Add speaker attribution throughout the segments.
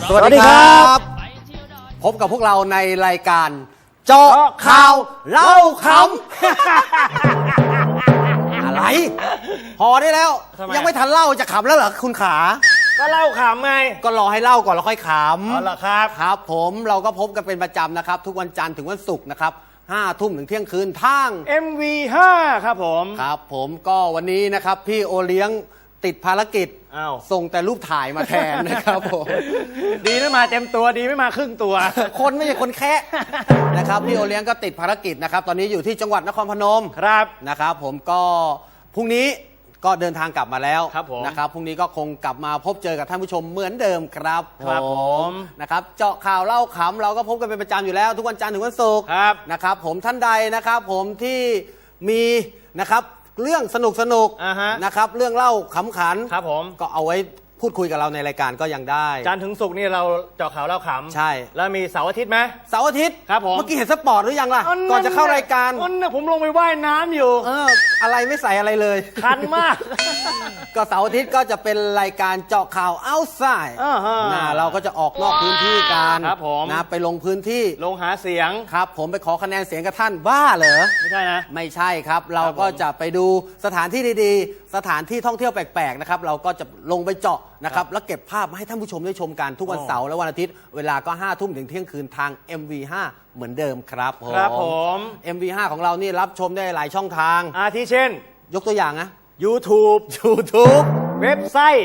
Speaker 1: สวัสดีครับพบกับพวกเราในรายการเจาะข่าวเล่าขำอะไรพอได้แล้วยังไม่ทันเล่าจะขำแล้วเหรอคุณขา
Speaker 2: ก็เล่าขำไง
Speaker 1: ก็รอให้เล่าก่อนแล้วค่อยขำ
Speaker 2: อ๋อเหรอครับ
Speaker 1: ครับผมเราก็พบกันเป็นประจำนะครับทุกวันจันทร์ถึงวันศุกร์นะครับ5 ทุ่มถึงเที่ยงคืนทาง
Speaker 2: MV5 ครับผม
Speaker 1: ครับผมก็วันนี้นะครับพี่โอเลี้ยงติดภารกิจส่งแต่รูปถ่ายมาแทนนะครับผม
Speaker 2: ดีไม่มาเต็มตัวดีไม่มาครึ่งตัว
Speaker 1: คนไม่ใช่คนแค่นะครับพี่โอเลี้ยงก็ติดภารกิจนะครับตอนนี้อยู่ที่จังหวัดนครพนม
Speaker 2: ครับ
Speaker 1: นะครับผมก็พรุ่งนี้ก็เดินทางกลับมาแล้ว
Speaker 2: ผม
Speaker 1: นะครับพรุ่งนี้ก็คงกลับมาพบเจอกับท่านผู้ชมเหมือนเดิมครับ
Speaker 2: ผม
Speaker 1: นะครับเจาะข่าวเล่าขำเราก็พบกันเป็นประจำอยู่แล้วทุกวันจันทร์ถึงวันศุกร์นะครับผมท่านใดนะครับผมที่มีนะครับเรื่องสนุกนะครับเรื่องเล่าขำขัน
Speaker 2: ครับผม
Speaker 1: ก็เอาไว้พูดคุยกับเราในรายการก็ยังได้
Speaker 2: จันทร์ถึงศุกร์นี่เราเจาะข่าวเล่าขำ
Speaker 1: ใช่
Speaker 2: แล้วมีเสาร์อาทิตย์ไหม
Speaker 1: เสาร์อาทิตย์
Speaker 2: ครับผม
Speaker 1: เมื่อกี้เห็นสปอร์ตหรือยังล่ะก่อนจะเข้ารายการ
Speaker 2: ผมลงไปว่ายน้ำอยู่
Speaker 1: อะไรไม่ใส่อะไรเลย
Speaker 2: คันมาก
Speaker 1: ก็เสาร์อาทิตย์ก็จะเป็นรายการเจาะข่าว outside เราก็จะออกนอกพื้นที่กันนะไปลงพื้นที่
Speaker 2: ลงหาเสียง
Speaker 1: ครับผมไปขอคะแนนเสียงกับท่านบ้าเหรอ
Speaker 2: ไม่ใช่นะ
Speaker 1: ไม่ใช่ครับเราก็จะไปดูสถานที่ดีๆสถานที่ท่องเที่ยวแปลกๆนะครับเราก็จะลงไปเจาะนะครับแล้วเก็บภาพมาให้ท่านผู้ชมได้ชมกันทุกวันเสาร์และวันอาทิตย์เวลาก็5 ทุ่มถึงเที่ยงคืนทาง MV5 เหมือนเดิมครับ
Speaker 2: ผม
Speaker 1: MV5 ของเรานี่รับชมได้หลายช่องทาง
Speaker 2: ที่เช่น
Speaker 1: ยกตัวอย่างนะ
Speaker 2: YouTube เว็บไซต์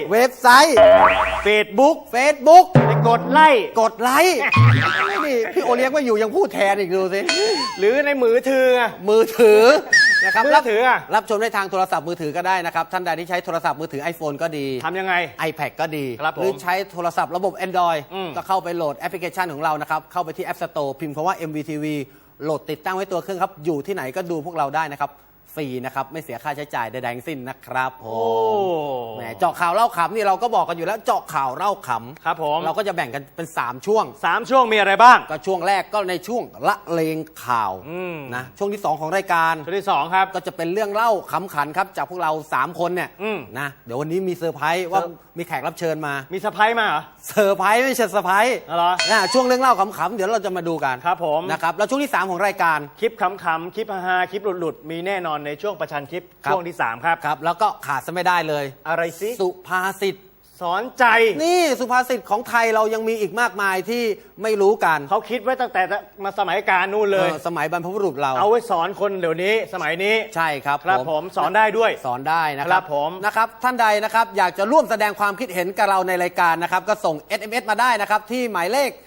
Speaker 2: Facebook ไปกดไลค์
Speaker 1: นี่พี่โอเลี้ยงไม่อยู่ยังพูดแทนอีกดูสิ
Speaker 2: หรือในมือถือ
Speaker 1: นะครับ
Speaker 2: มือถือ
Speaker 1: รับชมได้ทางโทรศัพท์มือถือก็ได้นะครับท่านใดที่ใช้โทรศัพท์มือถือ iPhone ก็ดี
Speaker 2: ทำยังไง
Speaker 1: iPad ก็ดีหรือใช้โทรศัพท์ระบบ Android ก็เข้าไปโหลดแอปพลิเคชันของเรานะครับเข้าไปที่ App Store พิมพ์คำว่า MVTV โหลดติดตั้งไว้ตัวเครื่องครับอยู่ที่ไหนก็ดูพวกเราได้นะครับฟรีนะครับไม่เสียค่าใช้จ่ายใดๆทั้งสิ้นนะครับผมเจาะข่าวเล่าขำนี่เราก็บอกกันอยู่แล้วเจาะข่าวเล่าขำ
Speaker 2: ครับผม
Speaker 1: เราก็จะแบ่งกันเป็น3 ช่วง
Speaker 2: มีอะไรบ้าง
Speaker 1: ก็ช่วงแรกก็ในช่วงละเลงข่าวนะช่วงที่2ของรายการ
Speaker 2: ช่วงที่2ครับ
Speaker 1: ก็จะเป็นเรื่องเล่าขำขันครับจากพวกเรา3 คนเนี่ยนะเดี๋ยววันนี้มีเซอร์ไพรส์ว่ามีแขกรับเชิญมา
Speaker 2: มีเซอร์ไพรส์มาเหรอ
Speaker 1: เซอร์ไพรส์ไม่ใช่เซอร์ไพรส์
Speaker 2: เหรอ
Speaker 1: ช่วงเรื่องเล่าขำๆเดี๋ยวเราจะมาดูกัน
Speaker 2: ครับผม
Speaker 1: นะครับแล้วช่วงที่3ของรายการ
Speaker 2: คลิปขำๆคลิปฮาๆคลิปหลุดๆมีแน่นอนในช่วงประชันคลิปช่วงที่3ครับ
Speaker 1: แล้วก็ขาดซะไม่ได้เลย
Speaker 2: อะไรสิ
Speaker 1: สุภาษิต
Speaker 2: สอนใจ
Speaker 1: นี่สุภาษิตของไทยเรายังมีอีกมากมายที่ไม่รู้กัน
Speaker 2: เขาคิดไว้ตั้งแต่มาสมัยกาลนู่นเลย
Speaker 1: สมัยบรรพบุรุษเรา
Speaker 2: เอาไว้สอนคนเดี๋ยวนี้สมัยนี้
Speaker 1: ใช่ครับ
Speaker 2: ผมสอนได้ด้วย
Speaker 1: สอนได้นะครับผมนะครับท่านใดนะครับอยากจะร่วมแสดงความคิดเห็นกับเราในรายการนะครับก็ส่ง SMS มาได้นะครับที่หมายเลข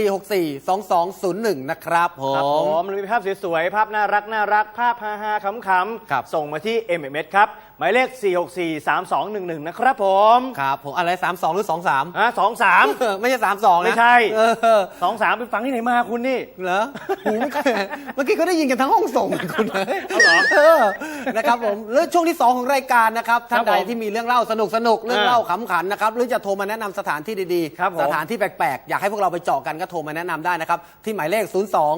Speaker 1: 4642201นะครับผม
Speaker 2: หรือมีภาพสวยๆภาพน่ารักภาพฮาๆขำๆส่งมาที่ MMS ครับหมายเลข4643211นะครับผม
Speaker 1: ครับผมอะไร32หรือ23
Speaker 2: 23
Speaker 1: ไม่ใช่32นะ
Speaker 2: ไม่ใช่23ไปฟังที่ไหนมาคุณนี่
Speaker 1: เหรอเมื่อกี้เขาได้ยินกันทั้งห้องส่งคุณเลย
Speaker 2: เหรอ
Speaker 1: นะครับผมแล้วช่วงที่2ของรายการนะครับท่านใดที่มีเรื่องเล่าสนุกเรื่องเล่าขำขันนะครับหรือจะโทรมาแนะนำสถานที่ดีๆสถานที่แปลกๆอยากให้พวกเราไปเจาะกันก็โทรมาแนะนำได้นะครับที่หมายเลข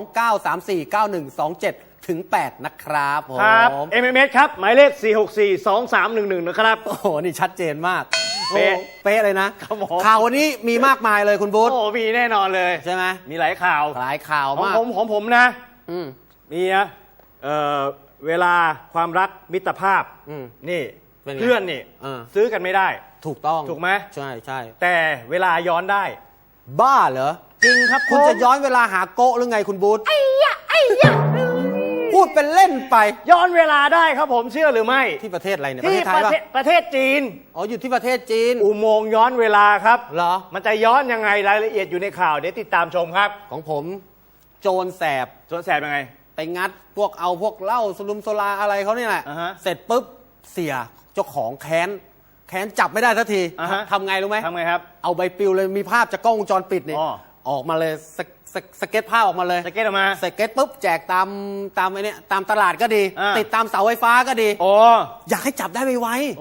Speaker 1: 02-934-9127 ถึง 8นะครับผม
Speaker 2: ครับ MMS ครับหมายเลข4642311นะครับ
Speaker 1: โอ้โหนี่ชัดเจนมากเป๊ะเลยนะข่าววันนี้มีมากมายเลยคุณบุ๊ท
Speaker 2: โอ้มีแน่นอนเลย
Speaker 1: ใช่ไหม
Speaker 2: มีหลายข่าว
Speaker 1: มาก
Speaker 2: ของผมนะมีนะเวลาความรักมิตรภาพนี่เพื่อนนี่ซื้อกันไม่ได้
Speaker 1: ถูกต้อง
Speaker 2: ถูกไหม
Speaker 1: ใช่
Speaker 2: แต่เวลาย้อนได้
Speaker 1: บ้าเหรอ
Speaker 2: จริงครับ
Speaker 1: คุณจะย้อนเวลาหาโกะหรือไงคุณบูธไอ้ยะพูดเป็นเล่นไป
Speaker 2: ย้อนเวลาได้ครับผมเชื่อหรือไม่
Speaker 1: ที่ประเทศอะไรเนี่ย
Speaker 2: ที่ประเทศจีน
Speaker 1: อยู่ที่ประเทศจีน
Speaker 2: อุโมงค์ย้อนเวลาครับ
Speaker 1: เหรอ
Speaker 2: มันจะย้อนยังไงรายละเอียดอยู่ในข่าวเดี๋ยวติดตามชมครับ
Speaker 1: ของผมโจรแสบ
Speaker 2: ยังไง
Speaker 1: ไปงัดพวกเหล้าสลุมโซลาอะไรเขาเนี่ยแหละเสร็จปุ๊บเสียเจ้าของแค้นจับไม่ได้สักทีทำไงรู้ไหม
Speaker 2: ทำไงครับ
Speaker 1: เอาใบปลิวเลยมีภาพจากกล้องวงจรปิดนี่ออกมาเลยสเก็ตภาพออกมาเลย
Speaker 2: สเก็ตออกมา
Speaker 1: สเก็ตปุ๊บแจกตามไอ้นี่ตามตลาดก็ดีติดตามเสาไฟฟ้าก็ดีอยากให้จับได้ไว
Speaker 2: ๆ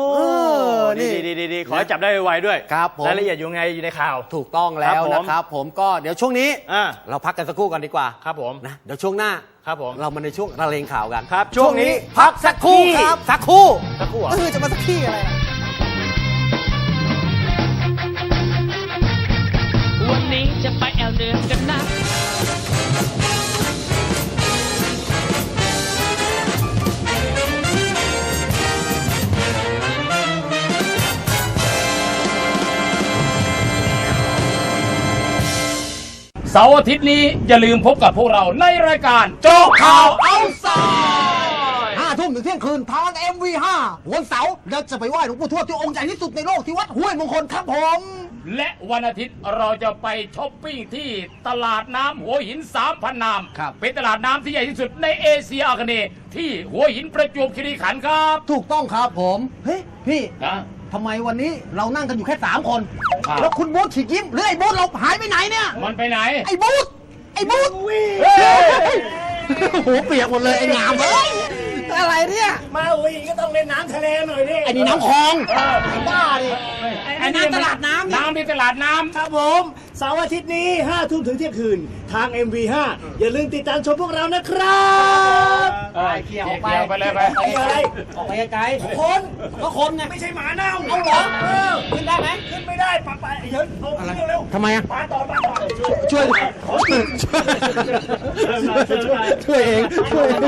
Speaker 2: ดีขอให้จับได้ไวๆด้วย
Speaker 1: ครับผม
Speaker 2: รายละเอียดอยู่ไงอยู่ในข่าว
Speaker 1: ถูกต้องแล้วนะครับผมก็เดี๋ยวช่วงนี้เราพักกันสักครู่กันดีกว่า
Speaker 2: ครับผม
Speaker 1: นะเดี๋ยวช่วงหน้า
Speaker 2: ครับผม
Speaker 1: เรามาในช่วงระเลงข่าวกัน
Speaker 2: ครับช่วงนี้พักสักครู่
Speaker 1: ครับสักครู่
Speaker 2: จะ
Speaker 1: มาสักที่อะไร
Speaker 3: เสาร์อาทิตย์นี้อย่าลืมพบกับพวกเราในรายการเจาะข่าวเอาท์ไซด์
Speaker 1: 5 ทุ่มถึงเที่ยงคืนทาง MV5 วันเสาร์เราจะไปไหว้หลวงปู่ทวดที่องค์ใหญ่ที่สุดในโลกที่วัดห้วยมงคลครับผม
Speaker 3: และวันอาทิตย์เราจะไปช้อปปิ้งที่ตลาดน้ำหัวหิน 3,000 นาม
Speaker 1: ครับ
Speaker 3: เป็นตลาดน้ำที่ใหญ่ที่สุดในเอเชียอาคเนย์ที่หัวหินประจวบคีรีขันธ์ครับ
Speaker 1: ถูกต้องครับผม เฮ้ย พี่
Speaker 3: นะ
Speaker 1: ทำไมวันนี้เรานั่งกันอยู่แค่ 3 คน
Speaker 3: ครับ
Speaker 1: แล้วคุณบูธฉีกยิ้มหรือไอ้บูธเราหายไปไหนเนี่ย
Speaker 3: มันไปไหน
Speaker 1: ไอ้บูธไอ้บูธ
Speaker 3: เฮ้ย
Speaker 1: โอ้โหเปียกหมดเลยไอ้งามเอ้ยอะไรเนี่ย
Speaker 4: มาหัวหินก็ต้องเล่นน้ำทะเลหน่อยดิ
Speaker 1: ไอ้นี่น้ำคลองไอ้บ้าดิไอ้น้ำตลาดน้ำ
Speaker 3: น้ำที่ตลาดน้ำ
Speaker 4: ครับผมเสาร์อาทิตย์นี้5 ทุ่มถึงเที่ยงคืน ทาง MV5 อย่าลืมติดตามชมพวกเรานะครับ
Speaker 1: เกี่ยวไป
Speaker 3: ไปเลยไป
Speaker 4: ไปอะไร
Speaker 1: ออกไปไกลๆ
Speaker 4: คน
Speaker 1: ก็คนไง
Speaker 4: ไม่ใช่หมาเน่า
Speaker 1: เอาเหรอ ขึ้นได้ไหม
Speaker 4: ขึ้นไม่ได้ปะเดี๋ยวเอาเร็ว
Speaker 1: ทำไมอ่ะ
Speaker 4: ๆปาต่อ
Speaker 1: ช่วยช่วยเองช่วยเอง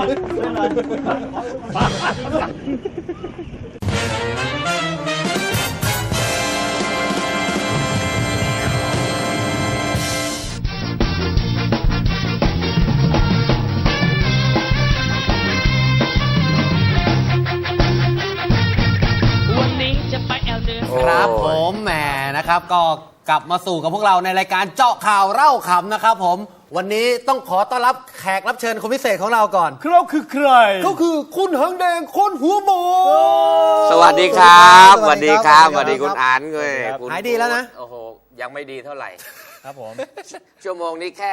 Speaker 5: วันนี้จะไปแอลเดือ
Speaker 1: ครับผมแหมนะครับก็กลับมาสู่กับพวกเราในรายการเจาะข่าวเล่าขำนะครับผมวันนี้ต้องขอต้อนรับแขกรับเชิญคนพิเศษของเราก่อน
Speaker 2: เราคือใคร
Speaker 1: ก็คือคุณหางแดงคนหัวหมู
Speaker 6: สวัสดีครับ
Speaker 1: สวัสดีครับ
Speaker 6: สวัสดีคุณอันเลย
Speaker 2: ครับ
Speaker 6: คุณ
Speaker 1: หายดีแล้วนะ
Speaker 6: โอ้โห ยังไม่ดีเท่าไหร่
Speaker 2: ครับผม
Speaker 6: ชั่วโมงนี้แค่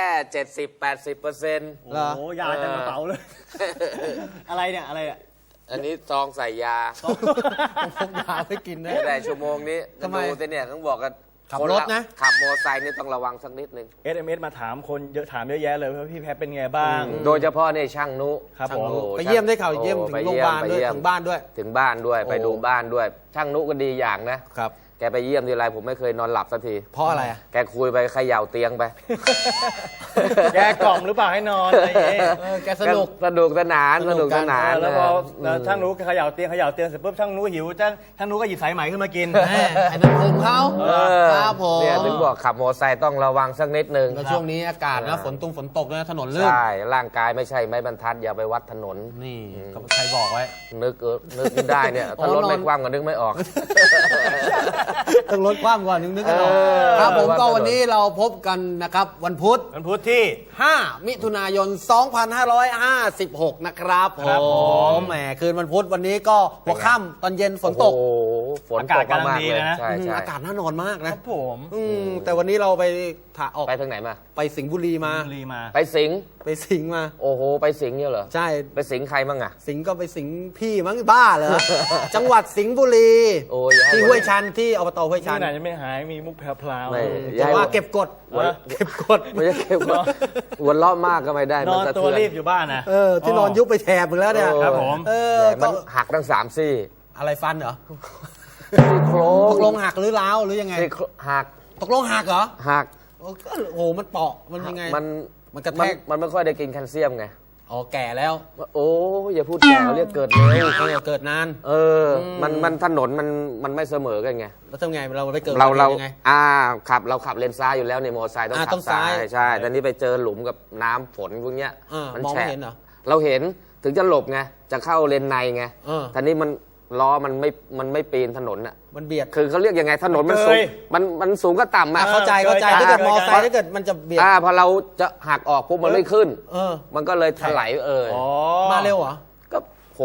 Speaker 6: 70-80%
Speaker 1: เหรอ
Speaker 4: โอ้ยาเต็มกระเป๋าเลย อะไรเนี่ยอะไรอ่ะ
Speaker 6: อันนี้ซองใส่ยา
Speaker 1: ผมยาไปกินนะ
Speaker 6: แต่ชั่วโมงนี้
Speaker 1: ทำไม
Speaker 6: ดูสิเนี่ยต้องบอกกัน
Speaker 1: ขับรถนะ
Speaker 6: ขับมอเตอร์ไซค์นี่ต้องระวังสักนิดนึง
Speaker 2: SMS มาถามคนเยอะถามเยอะแยะเลยว่าพี่แพทเป็นไงบ้าง
Speaker 6: โดยเฉพาะเนี่ยช่างนุ
Speaker 2: ครับผม
Speaker 6: โอ้
Speaker 1: ไปเยี่ยมได้ข่าวเยี่ยม
Speaker 6: โอ้
Speaker 1: ถึง
Speaker 6: ไป
Speaker 1: โรงพยาบาลด้วย
Speaker 6: ไปเยี่ยม
Speaker 1: ถึงบ้านด้วย
Speaker 6: ถึงบ้านด้วย
Speaker 1: โอ้
Speaker 6: ไปดูบ้านด้วย ช่างนุก็ดีอย่างนะ
Speaker 1: ครับ
Speaker 6: แกไปเยี่ยมทีไรผมไม่เคยนอนหลับสักที
Speaker 1: เพราะอะไรอ่ะ
Speaker 6: แกคุยไปเขย่าเตียงไป
Speaker 2: แกกล่อมหรือเปล่าให้นอนอะไรอย่างเงี้ย
Speaker 1: แกสนุก
Speaker 6: สนุกสนาน
Speaker 1: ส
Speaker 6: ส
Speaker 1: นุ
Speaker 6: นุ
Speaker 1: ก
Speaker 6: ก
Speaker 1: กั
Speaker 6: ส
Speaker 1: น
Speaker 6: นาน
Speaker 2: แล้วพอ
Speaker 6: นะ
Speaker 2: ช่างนู้เขย่าเตียงเสร็จปุ๊บช่างนู้หิวช่างนู้ก็หยิบสายไหมขึ้นมากิน
Speaker 1: แหมไอ้นั่นผมเขา
Speaker 6: เออ
Speaker 1: ครับผม
Speaker 6: เนี่ยถึงบอกขับมอเตอร์ไซค์ต้องระวังสักนิดนึง
Speaker 1: แล้วช่วงนี้อากาศนะฝนตกนะถนนลื่น
Speaker 6: ใช่ ร่างกายไม่ใช่ไม้บรรทัดอย่าไปวัดถนน
Speaker 1: นี่เขาใครบอกไว้
Speaker 6: นึกไม่ได้เนี่ย
Speaker 1: โอ้
Speaker 6: ถ้ารถไม่
Speaker 1: นอน
Speaker 6: คว่ำก็นึกไม่ออก
Speaker 1: ต้องลดความก่อนนึกกันออก
Speaker 6: เออ
Speaker 1: ครับผมก็
Speaker 6: ว่าถนน
Speaker 1: วันนี้เราพบกันนะครับวันพุธ
Speaker 2: วันพุธที่
Speaker 1: 5 มิถุนายน 2556 นะครับผ
Speaker 2: ครับผม
Speaker 1: มแหมคืนวันพุธวันนี้ก็หัวค่ำตอนเย็นฝนตก
Speaker 6: โอ้โหฝน
Speaker 2: อากา
Speaker 6: ต
Speaker 2: ศ
Speaker 6: ก
Speaker 2: กำลัง
Speaker 6: มาก
Speaker 2: ดี
Speaker 6: ๆเลย
Speaker 2: นะ
Speaker 6: ใช่ใช่
Speaker 1: อากาศน่านอนมาก
Speaker 2: ค
Speaker 1: นะ
Speaker 2: รับผม
Speaker 1: แต่วันนี้เราไปออก
Speaker 6: ไปทางไหนมา
Speaker 1: ไปสิงห์บุรีมา
Speaker 2: รีมา
Speaker 6: ไปสิงห์
Speaker 1: ไปสิงห์มา
Speaker 6: โอ้โห ไปสิงห์เนี่ยเหรอ
Speaker 1: ใช่
Speaker 6: ไปสิงห์ใครบ้างอะ
Speaker 1: สิงห์ก็ไปสิงห์พี่มั้งบ้าเหรอ จังหวัดสิงห์บุรี
Speaker 6: โอ้ยอย่าให้
Speaker 1: ที่ห้วยชันที่อบตห้วยชั
Speaker 2: ที่
Speaker 1: น
Speaker 2: ไหนจะไม่หายมีมุกแพรว
Speaker 6: ไม่
Speaker 1: แต่ว่าเก็บกด
Speaker 2: หัว
Speaker 1: เก็บกด
Speaker 6: ไม่ใช่เก็บว่าหัวเราะมากก็ไม่ได้
Speaker 2: นอน
Speaker 6: สะ
Speaker 2: ตัว
Speaker 6: เทื
Speaker 2: รีบอยู่บ้านนะ
Speaker 1: ที่นอนยุบไปแถบหมดแล้วเนี่ย
Speaker 2: ครับผม
Speaker 1: เออ
Speaker 6: แหมมัน
Speaker 1: ก็
Speaker 6: หักทั้ง3 ซี่
Speaker 1: อะไรฟันเหรอ
Speaker 6: ซี่โคร
Speaker 1: ต
Speaker 6: ง
Speaker 1: กลงหักหรือร้าวหรือยังไง
Speaker 6: ซี่โครงหัก
Speaker 1: ตกลงหักเหรอ
Speaker 6: หัก
Speaker 1: โอ้ก็โอ้โหมันเปาะมันยังไง มันกระแทก
Speaker 6: มันไม่ค่อยได้กินแคลเซียมไง
Speaker 1: อ๋อแก่แล้ว
Speaker 6: โอ้ยอย่าพูดแก่เรียกเกิดเร็ว
Speaker 1: เกิดนาน
Speaker 6: เออ มันถนนมันไม่เสมอกันไง
Speaker 1: แล้วทำไงเราไปเกิด
Speaker 6: เรา
Speaker 1: ยังไง
Speaker 6: เราขับเลนซ้ายอยู่แล้วในมอเตอร์ไซค์ต้อง
Speaker 1: อ่า
Speaker 6: ขั
Speaker 1: ต้อบ ง
Speaker 6: ซ้า
Speaker 1: ซ้าย
Speaker 6: ยใช่แต่นี้ไปเจอหลุมกับน้ำฝนพวกเนี้ย
Speaker 1: มองไม่
Speaker 6: แฉะ
Speaker 1: เห็นเหรอ
Speaker 6: เราเห็นถึงจะหลบไงจะเข้าเลนในไง
Speaker 1: เออ
Speaker 6: ทีนี้มันล้อมันไม่ปีนถนนอ่ะ
Speaker 1: มันเบียด
Speaker 6: คือเขาเรียกยังไงถนนมันสูงมันสูงก็ต่ำอ่ะ
Speaker 1: เข้าใจถ้าเกิดมอไซค์ถ้าเกิดมันจะเบียด
Speaker 6: พอเราจะหักออกปุ๊บมันไม่ขึ้น
Speaker 1: เออ
Speaker 6: มันก็เลยถลาย
Speaker 2: อ๋อ
Speaker 1: มาเร็วเหรอ
Speaker 6: ก็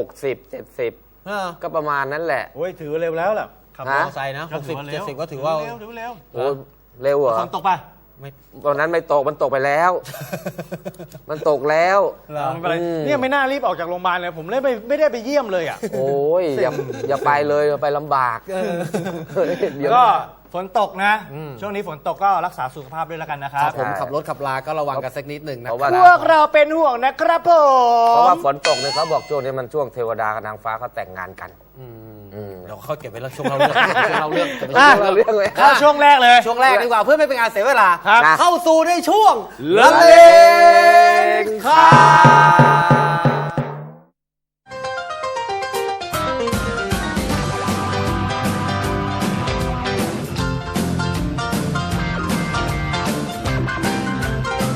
Speaker 6: 60-70
Speaker 1: เออ
Speaker 6: ก็ประมาณนั้นแหละ
Speaker 2: โอ้ยถือเร็วแล้วล่ะ
Speaker 1: ขับ
Speaker 6: ฮะ
Speaker 1: มอไซค์นะ
Speaker 2: ก็ถือว่าเร็ว
Speaker 1: 60-70ก็ถือว่า
Speaker 2: เร็วเร็ว
Speaker 6: โอ้เร็วเหรอ
Speaker 2: ฝนตกป่ะ
Speaker 1: ไม่
Speaker 6: ตอนนั้นไม่ตกมันตกไปแล้ว มันตกแล้ว
Speaker 2: ไม่เป็นไร
Speaker 6: อืม
Speaker 2: เนี่ยไม่น่ารีบออกจากโรงพยาบาลเลยผมเลยไม่ได้ไปเยี่ยมเลยอ่ะ
Speaker 6: โอ้ยอย่าไปเลยอย่าไปลำบากเดี๋ยว
Speaker 2: ก็ฝนตกนะ ช่วงนี้ฝนตกก็รักษาสุขภาพด้วยแล้วกันนะค
Speaker 1: ค
Speaker 2: รั
Speaker 1: รับ บผมขับรถขับลาก็ระวังกันสักนิดหนึ่งนะ
Speaker 6: เพราะ
Speaker 1: ครั
Speaker 6: ว่า
Speaker 1: บ
Speaker 2: พวกเราเป็นห่วงนะครับผ
Speaker 6: เพราะ
Speaker 2: ม
Speaker 6: ว่าฝนตกเนี่ยเขาบอกช่วงนี้มันช่วงเทวดากับนางฟ้าเขาแต่งงานกัน
Speaker 1: เดี๋ยวเขาเก็บไว้แล้วช่วงเราเรื่องช่วงเราเรื่องเก็บไว้
Speaker 2: อ่ะ
Speaker 1: ช่วงเรา
Speaker 6: เรื่องเลย
Speaker 2: เข้าช่วงแรกเลย
Speaker 1: ช่วงแรกดีกว่าเพื่อไม่เป็นการเสียเวลา
Speaker 2: ครับ
Speaker 1: เข้าสู่ในช่วง
Speaker 6: ละเลงข่าว
Speaker 1: ค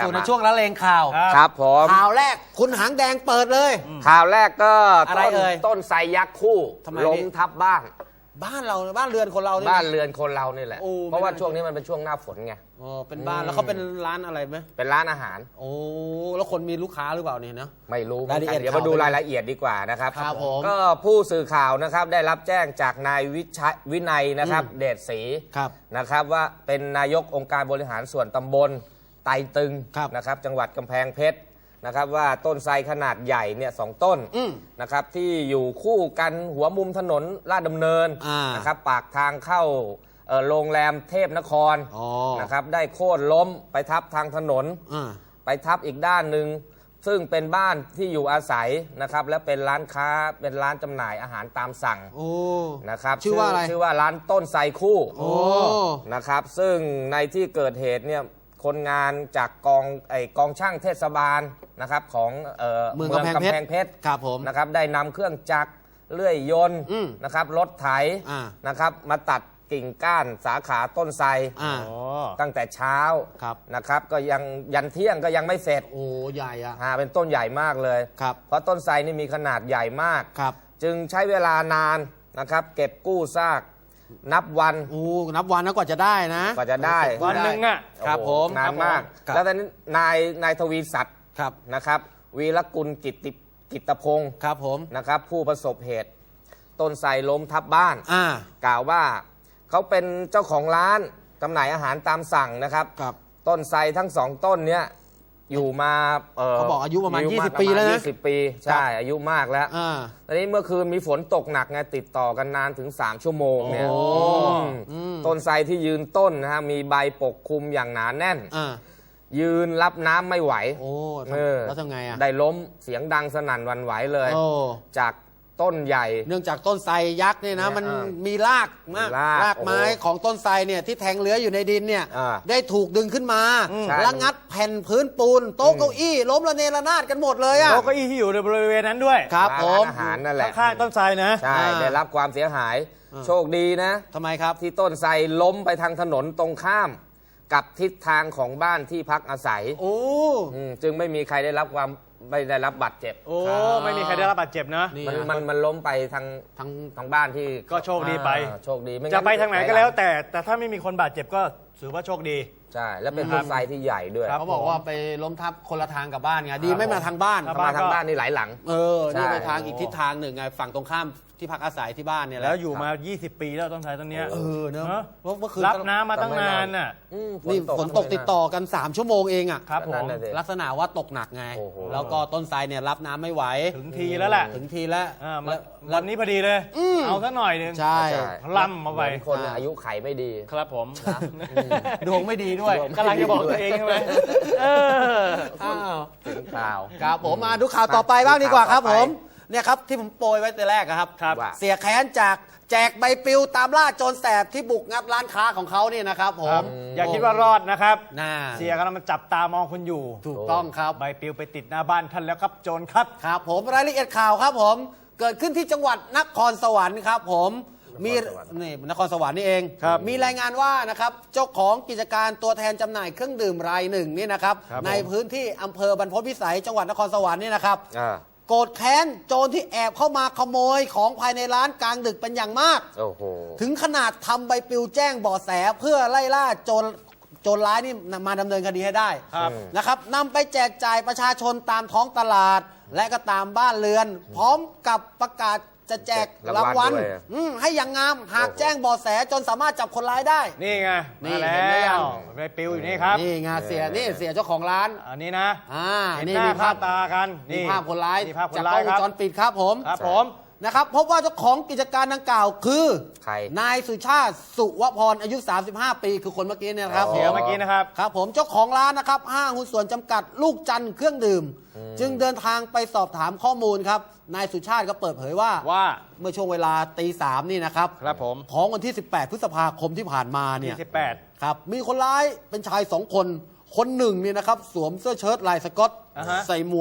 Speaker 1: สู่ในช่วงละเลงข่าว
Speaker 6: ครับผม
Speaker 1: ข่าวแรกคุณหางแดงเปิดเลย
Speaker 6: ข่าวแรกก็
Speaker 1: อะไรเอ่ย
Speaker 6: ต้นไทรยักษ์คู่
Speaker 1: ทำไม
Speaker 6: ล้ม
Speaker 1: พี่
Speaker 6: ทับบ้าน
Speaker 1: บ้านเราบ้านเรือนคนเราเนี่ย
Speaker 6: บ้านเรือนคนเรานี่แหละ
Speaker 1: โอ้
Speaker 6: เพราะว่า
Speaker 1: ไม่น่า
Speaker 6: ช่วงนี้มันเป็นช่วงหน้าฝนไง
Speaker 1: อ๋อเป็นบ้านแล้วเขาเป็นร้านอะไรไหม
Speaker 6: เป็นร้านอาหาร
Speaker 1: โอ้แล้วคนมีลูกค้าหรือเปล่าเนี่ยนะ
Speaker 6: ไม่รู้เหมือน
Speaker 1: รายละเอี
Speaker 6: กั
Speaker 1: ยด
Speaker 6: นเดี๋ยวมาดูรายละเอียดดีกว่านะครับ
Speaker 1: ครับผม
Speaker 6: ก็ผู้สื่อข่าวนะครับได้รับแจ้งจากนายวินัยนะครับ เดชศรี
Speaker 1: ครับ
Speaker 6: นะครับว่าเป็นนายกองค์การบริหารส่วนตำบลไตรตึง
Speaker 1: ครับ
Speaker 6: นะครับจังหวัดกำแพงเพชรนะครับว่าต้นไทรขนาดใหญ่เนี่ย2 ต้น
Speaker 1: อืม
Speaker 6: นะครับที่อยู่คู่กันหัวมุมถนนลาดดำเนิน
Speaker 1: อ่าน
Speaker 6: นะครับปากทางเข้าโรงแรมเทพนคร
Speaker 1: อ๋อ
Speaker 6: นะครับได้โค่นล้มไปทับทางถนน
Speaker 1: อ่า
Speaker 6: ไปทับอีกด้านหนึ่งซึ่งเป็นบ้านที่อยู่อาศัยนะครับและเป็นร้านค้าเป็นร้านจำหน่ายอาหารตามสั่ง
Speaker 1: โอ้
Speaker 6: นะครับ
Speaker 1: ชื่อว่าอะไร
Speaker 6: ชื่อว่าร้านต้นไทรคู่
Speaker 1: โอ้
Speaker 6: นะครับซึ่งในที่เกิดเหตุเนี่ยคนงานจากกองช่างเทศบาลนะครับของ
Speaker 1: เมืองกำแพงเพชรครับผม
Speaker 6: นะครับได้นำเครื่องจักรเลื่อยยนต์
Speaker 1: อืม
Speaker 6: นะครับรถไถ
Speaker 1: อ่า
Speaker 6: นะครับมาตัดกิ่งก้านสาขาต้นไทร
Speaker 1: อ่า
Speaker 6: ตั้งแต่เช้า
Speaker 1: ครับ
Speaker 6: นะครับก็ยังยันเที่ยงก็ยังไม่เสร็จ
Speaker 1: โอ้ใหญ่อะ
Speaker 6: เป็นต้นใหญ่มากเลย
Speaker 1: ครับ
Speaker 6: เพราะต้นไทรนี่มีขนาดใหญ่มาก
Speaker 1: ครับ
Speaker 6: จึงใช้เวลานานนะครับเก็บกู้ซากนับวัน
Speaker 1: โอ้นับวันนะกว่าจะได้นะ
Speaker 6: กว่าจะได้
Speaker 2: วันหนึ่งอ่ะ
Speaker 1: ครับ
Speaker 6: โอ้
Speaker 1: ผ
Speaker 6: โห
Speaker 1: ม
Speaker 6: นานมาก
Speaker 1: ครับ
Speaker 6: แล้วตอนนี้นายทวีศักดิ์
Speaker 1: ครับ
Speaker 6: นะครับวีรกุลกิตพงศ์
Speaker 1: ครับผม
Speaker 6: นะครับผู้ประสบเหตุต้นไทรล้มทับบ้าน
Speaker 1: อ่า
Speaker 6: กล่าวว่าเขาเป็นเจ้าของร้านจำหน่ายอาหารตามสั่งนะครับ
Speaker 1: ครับ
Speaker 6: ต้นไทรทั้ง2 ต้นเนี้ยอยู่มา
Speaker 1: เขาบอกอายุประมาณ
Speaker 6: อยู่
Speaker 1: 20 ปีแล้วนะ
Speaker 6: 20 ปีใช่อายุมากแล้ว
Speaker 1: อ่า
Speaker 6: ตอนนี้เมื่อคืนมีฝนตกหนักไงติดต่อกันนานถึง3 ชั่วโมงเนี่ย
Speaker 1: โอ้
Speaker 6: อืมต้นไทรที่ยืนต้นนะฮะมีใบปกคลุมอย่างหนาแน่น
Speaker 1: อ่า
Speaker 6: ยืนรับน้ำไม่ไหว
Speaker 1: โอ้
Speaker 6: เออ
Speaker 1: แล้วทำไงอะ
Speaker 6: ได้ล้มเสียงดังสนั่นหวันไหวเลย
Speaker 1: โอ้
Speaker 6: จากต้นใหญ่
Speaker 1: เนื่องจากต้นไทรยักษ์เนี่ยนะ
Speaker 6: เนี่ย
Speaker 1: มัน
Speaker 6: อ่า
Speaker 1: มีรากมาก
Speaker 6: มีราก
Speaker 1: ไม้
Speaker 6: โอ้โห
Speaker 1: ของต้นไทรเนี่ยที่แทงเลื้อยอยู่ในดินเนี่ย
Speaker 6: อ่า
Speaker 1: ได้ถูกดึงขึ้นมา
Speaker 6: ใช่
Speaker 1: แล้วงัดแผ่นพื้นปูนโต๊ะเก้าอี้ล้มระเนระนาดกันหมดเลยอะ
Speaker 2: โต๊ะเก้าอี้ที่อยู่ในบริเวณนั้นด้วย
Speaker 1: ครับผม
Speaker 6: ร้านอาหารนั่นแหละ
Speaker 2: ข้างๆต้นไทรนะ
Speaker 6: ใช่ ได้รับความเสียหาย โชคดีนะ
Speaker 1: ทำไมครับ
Speaker 6: ที่ต้นไทรล้มไปทางถนนตรงข้าม กับทิศทางของบ้านที่พักอาศัย
Speaker 1: โอ้
Speaker 6: จึงไม่มีใครได้รับบัตรเจ็บ
Speaker 2: โอ้
Speaker 1: ครับ
Speaker 2: ไม่มีใครได้รับบาดเจ็บนะ
Speaker 1: นี่
Speaker 6: มันล้มไปทาง
Speaker 1: ทั้ง
Speaker 6: ทางบ้านที่
Speaker 2: ก็โชคดีไป
Speaker 6: โชคดีม่
Speaker 2: จะไปทางไหนก็แล้วแต่ถ้าไม่มีคนบาดเจ็บก็ถือว่าโชคดี
Speaker 6: ใช่ แล้วเป็นต้นไทรที่ใหญ่ด้วย
Speaker 2: ครับ
Speaker 1: เขาบอกว่าไปล้มทับคนละทางกับบ้านไงดีไม่มาทางบ้าน
Speaker 2: ครับ
Speaker 6: มาทางบ้านนี่หลายหลัง
Speaker 1: เออนี่
Speaker 6: ใช่
Speaker 1: ไปทางอีกทิศทางหนึ่งไงฝั่งตรงข้ามที่พักอาศัยที่บ้านเนี่ยหะ
Speaker 2: แล้วอยู่มา 20 ปีแล้วต้นไทรต้นเนี้ย
Speaker 1: เออเนอะ
Speaker 2: เนอะ
Speaker 1: เพราะเมื่อคืน
Speaker 2: รับน้ำมาตั้งนานน่ะ
Speaker 1: นี่ฝนตกติดต่อกัน 3 ชั่วโมงเองอ่ะ
Speaker 2: ครับผม
Speaker 6: นั่นน่ะสิ
Speaker 1: ลักษณะว่าตกหนักไง
Speaker 6: โอ้โห
Speaker 1: แล้วก็ต้นไทรเนี่ยรับน้ำไม่ไหว
Speaker 2: ถึงทีแล้วแหละ
Speaker 1: ถึงทีแล้ว
Speaker 2: มา
Speaker 1: แล้ว
Speaker 2: วันนี้พอดีเลย เอาซะหน่อยหนึง
Speaker 1: ใช่
Speaker 6: ใช่
Speaker 2: ล่ำมาไป
Speaker 6: เหมือนคนอายุไขไม่ดี
Speaker 2: ครับผม
Speaker 1: ดวงไม่ดีด้วย
Speaker 6: ดวง
Speaker 2: กำลังจะบอกตัวเองใช่ไหมเออ
Speaker 1: อ้าว
Speaker 6: ถึงข่าว
Speaker 1: ครับผมมาดูข่าวต่อไปบ้างดีกว่าครับ
Speaker 6: ข่าว
Speaker 1: ผ
Speaker 6: ต่อ
Speaker 1: ม
Speaker 6: ไป
Speaker 1: เนี่ยครับที่ผมโปรยไว้แต่แรกอะครับ
Speaker 2: ครับ
Speaker 6: ว่า
Speaker 1: เสียแค้นจากแจกใบปลิวตามล่าโจรแสบที่บุกงัดร้านค้าของเขาเนี่ยนะครับผ
Speaker 2: ครั
Speaker 1: ม
Speaker 2: บอย่าคิดว่ารอดนะครับ
Speaker 1: น่า
Speaker 2: เสียกำลังจับตามองคุณอยู่
Speaker 1: ถูกต้องครับ
Speaker 2: ใบปลิวไปติดหน้าบ้านท่านแล้วครับโจรครับ
Speaker 1: ครับผมรายละเอียดข่าวครับผมเกิดขึ้นที่จังหวัดนครสวรรค์ครับผมมีนี่นครสวรรค์นี่เอง
Speaker 2: ครับ
Speaker 1: มีรายงานว่านะครับเจ้าของกิจการตัวแทนจำหน่ายเครื่องดื่มรายหนึ่งนี่นะครับ
Speaker 2: ครับผม
Speaker 1: ในพื้นที่อำเภอบรรพตวิสัยจังหวัดนครสวรรค์นี่นะครับ
Speaker 6: อ่า
Speaker 1: โกรธแค้นโจรที่แอบเข้ามาขโมยของภายในร้านกลางดึกเป็นอย่างมาก
Speaker 6: โอ้โห
Speaker 1: ถึงขนาดทำใบปลิวแจ้งเบาะแสเพื่อไล่ล่าโจรร้ายนี่มาดำเนินคดีให้ได้
Speaker 2: ครับ
Speaker 1: นะครับนำไปแจกจ่ายประชาชนตามท้องตลาด และก็ตามบ้านเรือน พร้อมกับประกาศจะแจกรางวัล
Speaker 6: ด้วย
Speaker 1: ให้อย่างงามหากแจ้งเบาะแสจนสามารถจับคนร้ายได้
Speaker 2: นี่ไง
Speaker 1: นี่
Speaker 2: มา
Speaker 1: เห็นไหม
Speaker 2: แล้
Speaker 1: ยั
Speaker 2: ว
Speaker 1: ง
Speaker 2: ใบปลิวอยู่นี่ครับ
Speaker 1: นี่ไงเสียนี่เสียเจ้าของร้าน
Speaker 2: อันนี้นะ เห็น
Speaker 1: นี่
Speaker 2: หน้า
Speaker 1: มี
Speaker 2: ภา
Speaker 1: ภา
Speaker 2: พ
Speaker 1: พ
Speaker 2: ตากัน
Speaker 1: มีภาพคนร้าย
Speaker 2: นี่ภาพคน
Speaker 1: จาก
Speaker 2: ร้าก
Speaker 1: ล้
Speaker 2: ย
Speaker 1: องว
Speaker 2: ค
Speaker 1: ง
Speaker 2: รับ
Speaker 1: จรปิดครับผม
Speaker 2: ครับผม
Speaker 1: นะครับพบว่าเจ้าของกิจการดังกล่าวคือ
Speaker 6: ใคร
Speaker 1: นายสุชาติสุวพรอายุ 35 ปีคือคนเมื่อกี้เนี่ยนะครับ
Speaker 6: อ๋อ
Speaker 2: เสียเมื่อกี้นะครับ
Speaker 1: ครับผมเจ้าของร้านนะครับห้างหุ้นส่วนจำกัดลูกจันทร์เครื่องดื่ม จึงเดินทางไปสอบถามข้อมูลครับนายสุชาติก็เปิดเผยว่า เมื่อช่วงเวลาตีสามนี่นะครับ
Speaker 2: ครับผม
Speaker 1: ของวันที่ 18 พฤษภาคมที่ผ่านมาเนี่ย
Speaker 2: 28
Speaker 1: ครับมีคนร้ายเป็นชาย 2 คนคนหนึ่งเนี่ยนะครับสวมเสื้อเชิ้ตลายสก๊อต
Speaker 2: อ่าฮะ
Speaker 1: ใส่หมวก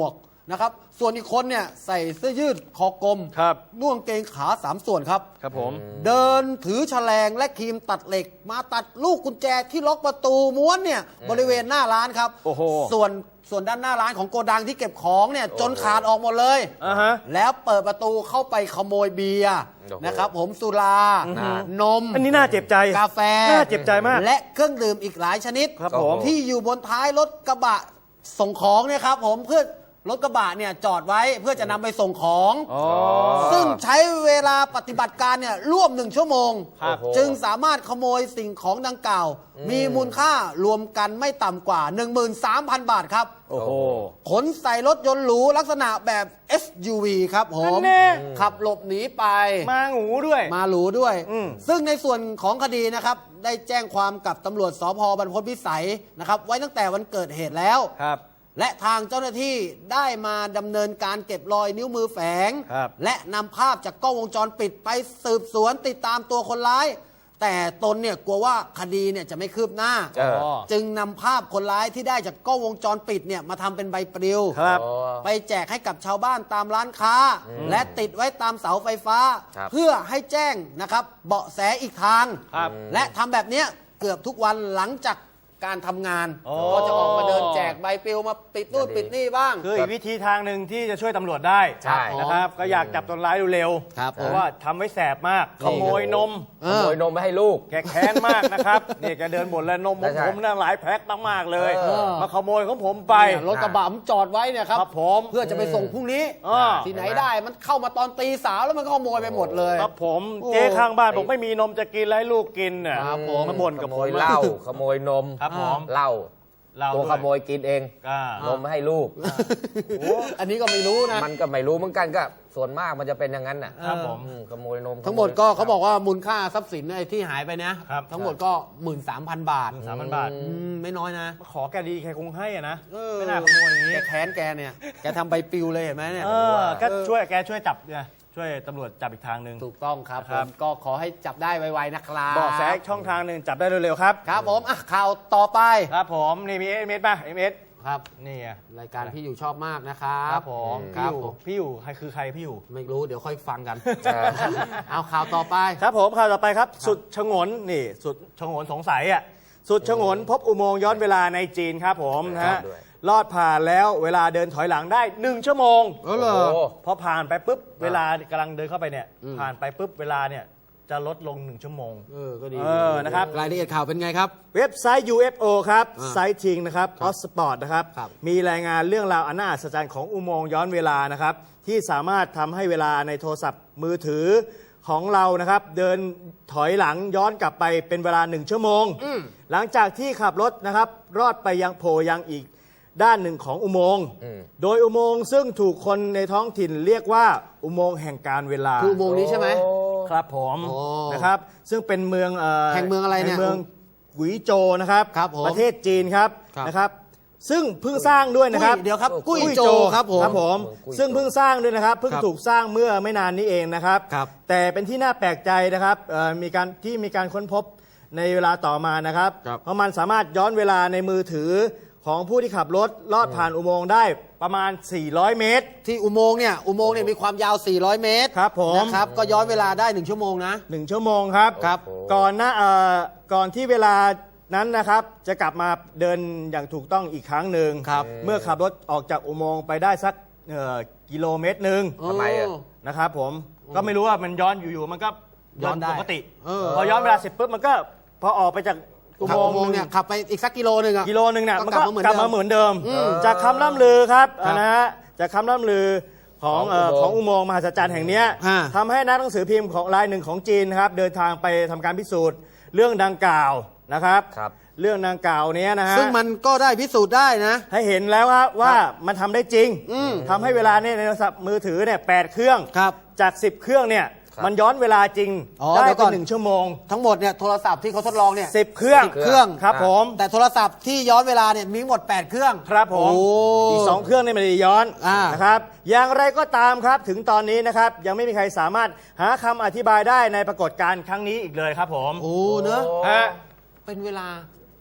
Speaker 1: นะครับส่วนอีกคนเนี่ยใส่เสื้อยืดคอกลม
Speaker 2: ครับ
Speaker 1: นุ่งกางเกงขา3 ส่วนครับ
Speaker 2: ครับผม
Speaker 1: เดินถือแฉลงและครีมตัดเหล็ก มาตัดลูกกุญแจที่ล็อกประตูม้วนเนี่ยบริเวณหน้าร้านครับ
Speaker 2: โอ้โห
Speaker 1: ส่วนด้านหน้าร้านของโกดังที่เก็บของเนี่ยจนขาดออกหมดเลย
Speaker 2: อ่าฮะ
Speaker 1: แล้วเปิดประตูเข้าไปขโมยเบียร์
Speaker 6: โอ้โห
Speaker 1: นะครับผมสุรา นม
Speaker 2: อันนี้น่าเจ็บใจ
Speaker 1: กาแฟ
Speaker 2: น่าเจ็บใจมาก
Speaker 1: และเครื่องดื่มอีกหลายชนิด
Speaker 2: ครับผม
Speaker 1: ที่อยู่บนท้ายรถกระบะส่งของเนี่ยครับผมเพื่อรถกระบะเนี่ยจอดไว้เพื่อจะนำไปส่งของ
Speaker 2: อ๋อ
Speaker 1: ซึ่งใช้เวลาปฏิบัติการเนี่ยร่วม1 ชั่วโมง
Speaker 2: ครับ
Speaker 1: จึงสามารถขโมยสิ่งของดังกล่าว มีมูลค่ารวมกันไม่ต่ำกว่า 13,000 บาทครับ
Speaker 2: โอ้โห
Speaker 1: ขนใส่รถยนต์หรูลักษณะแบบ SUV ครับผม
Speaker 2: นั่นแน่
Speaker 1: ขับหลบหนีไป
Speaker 2: มางูด้วย
Speaker 1: มาหรูด้วย
Speaker 2: อืม
Speaker 1: ซึ่งในส่วนของคดีนะครับ ได้แจ้งความกับตำรวจสพบรรพตพิสัยนะครับ ไว้ตั้งแต่วันเกิดเหตุแล้ว
Speaker 2: ครับ
Speaker 1: และทางเจ้าหน้าที่ได้มาดำเนินการเก็บรอยนิ้วมือแฝง
Speaker 2: ครับ
Speaker 1: และนำภาพจากกล้องวงจรปิดไปสืบสวนติดตามตัวคนร้าย แต่ตนเนี่ยกลัวว่าคดีเนี่ยจะไม่คืบหน้า
Speaker 6: เออ
Speaker 1: จึงนำภาพคนร้ายที่ได้จากกล้องวงจรปิดเนี่ยมาทำเป็นใบปลิว
Speaker 2: ครับ
Speaker 1: ไปแจกให้กับชาวบ้านตามร้านค้า และติดไว้ตามเสาไฟฟ้า
Speaker 6: ครับ
Speaker 1: เพื่อให้แจ้งนะครับเบาะแสอีกทาง
Speaker 2: ครับ
Speaker 1: และทำแบบเนี้ยเกือบทุกวันหลังจากการทำงาน
Speaker 2: โอ้
Speaker 1: ก็จะออกมาเดินแจกใบปลิวมาปิดนู่นปิดนี่บ้าง
Speaker 2: คืออีกวิธีทางหนึ่งที่จะช่วยตำรวจได้
Speaker 6: ใช่
Speaker 2: นะครับ ก็อยากจับคนร้ายเร็วๆ
Speaker 1: ครับ
Speaker 2: เพราะว่าทำไว้แสบมาก ขโมยนม
Speaker 6: ขโมยนมไปให้ลูก
Speaker 2: แกแค้นมากนะครับนี่แกเดินบ่นแล้วนมของ
Speaker 6: ใช่
Speaker 2: ผมน่าหลายแพ็คมากๆเลย
Speaker 6: เออ
Speaker 2: มาขโมยของผมไป
Speaker 1: เนี่ยรถกระบะผมจอดไว้เนี่ยครับ
Speaker 2: ครับผม
Speaker 1: เพื่อจะไปส่งพรุ่งนี้
Speaker 2: อ่า
Speaker 1: ที่ไหนได้มันเข้ามาตอนตีสามแล้วมันก็ขโมยไปหมดเลย
Speaker 2: ครับผม
Speaker 1: โอ้
Speaker 2: เจ๊ข้างบ้านบอกไม่มีนมจะกินแล้วให้ลูกกินน่ะ
Speaker 1: ครับผม
Speaker 2: มาบ่นกับ
Speaker 6: ข
Speaker 2: ผ
Speaker 6: โม
Speaker 2: ม
Speaker 6: ยเหล้าขโมยนม
Speaker 2: ครับผม
Speaker 6: เหล้า
Speaker 2: เรา
Speaker 6: ตัว
Speaker 2: ด้วย
Speaker 6: ขโมยกินเอง
Speaker 2: อ่าน
Speaker 6: มให้ลูก
Speaker 1: อันนี้ก็ไม่รู้นะ
Speaker 6: มันก็ไม่รู้เหมือนกันก็ส่วนมากมันจะเป็นอย่างนั้นน่ะ
Speaker 2: ครับผม
Speaker 6: ขโมยนม
Speaker 1: ทั้งหมดก็เขาบอกว่ามูลค่าทรัพย์สินไอ้ที่หายไปนะครับ ทั้งหมดก็ 13,000 บาท
Speaker 2: 13,000 บาท
Speaker 1: ไม่น้อยนะ
Speaker 2: ขอแกดีแกคงให้อะนะ
Speaker 1: เออ
Speaker 2: ไม่น่าขโมยอย่างนี้
Speaker 1: แกแค้นแกเนี่ย แกทำใบปลิวเลยเห็นไหมเนี่ย
Speaker 2: เออก็ช่วยแกช่วยจับเนี่ยช่วยตำรวจจับอีกทางหนึ่ง
Speaker 1: ถูกต้องครับ
Speaker 2: ค
Speaker 1: ผ
Speaker 2: รับ
Speaker 1: มก็ขอให้จับได้ไวๆนะครับ
Speaker 2: บอกแสช่องทางหนึ่งจับได้เร็วๆครับ
Speaker 1: ครับผมอ่ะข่าวต่อไป
Speaker 2: ครับผมนี่มีเอเมสป่ะเอเมส
Speaker 1: ครับ
Speaker 2: นี่อะ
Speaker 1: รายการพี่อยู่ชอบมากนะครับ
Speaker 2: ครับผม
Speaker 1: ค
Speaker 2: พี่
Speaker 1: รับ
Speaker 2: อยู่
Speaker 1: ผม
Speaker 2: พี่อยู่ใครคือใครพี่อยู่
Speaker 1: ไม่รู้เดี๋ยวค่อยฟังกัน
Speaker 6: เออ
Speaker 1: เอาข่าวต่อไป
Speaker 2: ครับผมข่าวต่อไปครับ สุดชงนนี่สุดชงนสงสัยอ่ะสุดชงนพบอุโมงค์ย้อนเวลาในจีนครับผมนะ
Speaker 6: ครั
Speaker 2: ฮะ
Speaker 6: บด้วย
Speaker 2: ลอดผ่านแล้วเวลาเดินถอยหลังได้ 1 ชั่วโมง
Speaker 1: เออเหรอ
Speaker 6: โอ้
Speaker 2: พอผ่านไปปุ๊บเวลากำลังเดินเข้าไปเนี่ยผ่านไปปุ๊บเวลาเนี่ยจะลดลง 1 ชั่วโมง
Speaker 1: ก็ดี
Speaker 2: นะครับ
Speaker 1: รายละเอียดข่าวเป็นไงครับ
Speaker 2: เว็บไซต์ UFO ครับ
Speaker 1: อ่า
Speaker 2: ไซต์ทิงนะครับออสปอร์ตนะครับ
Speaker 1: ครับ
Speaker 2: มีรายงานเรื่องราวอันน่าอัศจรรย์ของอุโมงค์ย้อนเวลานะครับ ที่สามารถทำให้เวลาในโทรศัพท์มือถือของเรานะครับ เดินถอยหลังย้อนกลับไปเป็นเวลา 1 ชั่วโมง หลังจากที่ขับรถนะครับรอดไปยังโผล่ยังอีกด้านหนึ่งของอุโมงค์ โดยอุโมงค์ซึ่งถูกคนในท้องถิ่นเรียกว่าอุโมงค์แห่งการเวลา
Speaker 1: คืออุโมงค์นี้ใช่ไหม
Speaker 2: ครับผม
Speaker 1: โอ้
Speaker 2: นะครับซึ่งเป็นเมือง
Speaker 1: แห่งเมืองอะไรเนี่ย
Speaker 2: แห่งเมืองหวีโจวนะครับ
Speaker 1: ครับผม
Speaker 2: ประเทศจีนครับ
Speaker 1: ครับ
Speaker 2: นะครับ ซึ่งเพิ่งสร้างด้วยนะครับ
Speaker 1: เดี๋ยวครับกุ้ยโจครับผม
Speaker 2: ครับผม
Speaker 6: กุ้ยโจ
Speaker 2: ซึ่งเพิ่งสร้างด้วยนะครับเพิ่ง
Speaker 1: ครับ
Speaker 2: ถูกสร้างเมื่อไม่นานนี้เองนะครับ
Speaker 1: ครับ
Speaker 2: แต่เป็นที่น่าแปลกใจนะครับมีการค้นพบในเวลาต่อมานะครับ
Speaker 1: ครับ
Speaker 2: เพราะมันสามารถย้อนเวลาในมือถือของผู้ที่ขับรถลอดผ่านอุโมงค์ได้ประมาณ 400 เมตร
Speaker 1: ที่อุโมงค์เนี่ยมีความยาว 400 เมตร
Speaker 2: ครับผม
Speaker 1: นะครับ ก็ย้อนเวลาได้ 1 ชั่วโมงนะ
Speaker 2: 1 ชั่วโมงครับ
Speaker 1: ครับ
Speaker 2: ก่อนที่เวลานั้นนะครับจะกลับมาเดินอย่างถูกต้องอีกครั้งหนึ่ง
Speaker 1: ครับ
Speaker 2: เมื่อขับรถออกจากอุโมงค์ไปได้สักกิโลเมตรหนึ่ง
Speaker 6: ทำไมอะ
Speaker 2: นะครับผมก็ไม่รู้ว่ามันย้อนอยู่ๆมันก็
Speaker 1: ย้อนได้
Speaker 2: ปกติ
Speaker 1: เออ
Speaker 2: พอย้อนเวลาเสร็จปุ๊บมันก็พอออกไปจากอุ
Speaker 1: ขับ
Speaker 2: โมง
Speaker 1: อุโมงค์
Speaker 2: ค์
Speaker 1: เนี่ยขับไปอีกสักกิโลหนึ่งอะ
Speaker 2: กิโลหนึ่งเนี่ยมันก็
Speaker 1: ก็
Speaker 2: กลับมาเหมือนเดิม
Speaker 1: อืม
Speaker 2: จากคำล่ำลือครับ
Speaker 1: ครับ
Speaker 2: นะฮะจากคำล่ำลือของอุโมงค์มหัศจรรย์แห่งเนี้ย
Speaker 1: ฮะ
Speaker 2: ทำให้นักหนังสือพิมพ์ของรายหนึ่งของจีนนะครับเดินทางไปทำการพิสูจน์เรื่องดังกล่าวนะครับ
Speaker 6: ครับ
Speaker 2: เรื่องดังกล่าวเนี้ยนะฮะ
Speaker 1: ซึ่งมันก็ได้พิสูจน์ได้นะ
Speaker 2: ให้เห็นแล้วครับว่ามันทำได้จริงทำให้เวลาเนี่ยในโทรศัพท์มือถือเนี่ย8เครื่อง
Speaker 1: ครับ
Speaker 2: จาก 10 เครื่องเนี่ย
Speaker 6: ครับ
Speaker 2: มันย้อนเวลาจริง
Speaker 1: อ๋อ
Speaker 2: ได้
Speaker 1: เดี๋ยวก่
Speaker 2: เป็
Speaker 1: อน
Speaker 2: น1 ชั่วโมง
Speaker 1: ทั้งหมดเนี่ยโทรศัพท์ที่เขาทดลองเนี่ย
Speaker 2: 10 เครื่อง
Speaker 1: 10 เครื่อง
Speaker 2: ครับผม
Speaker 1: แต่โทรศัพท์ที่ย้อนเวลาเนี่ยมีหมด 8 เครื่อง
Speaker 2: ครับผม
Speaker 1: โอ้
Speaker 2: อีก 2 เครื่องนี่ไม่ได้ย้อน
Speaker 1: อ่าน
Speaker 2: นะครับอย่างไรก็ตามครับถึงตอนนี้นะครับยังไม่มีใครสามารถหาคำอธิบายได้ในปรากฏการณ์ครั้งนี้อีกเลยครับผม
Speaker 1: โอ้เนอะ
Speaker 2: ฮะ
Speaker 1: เป็นเวลา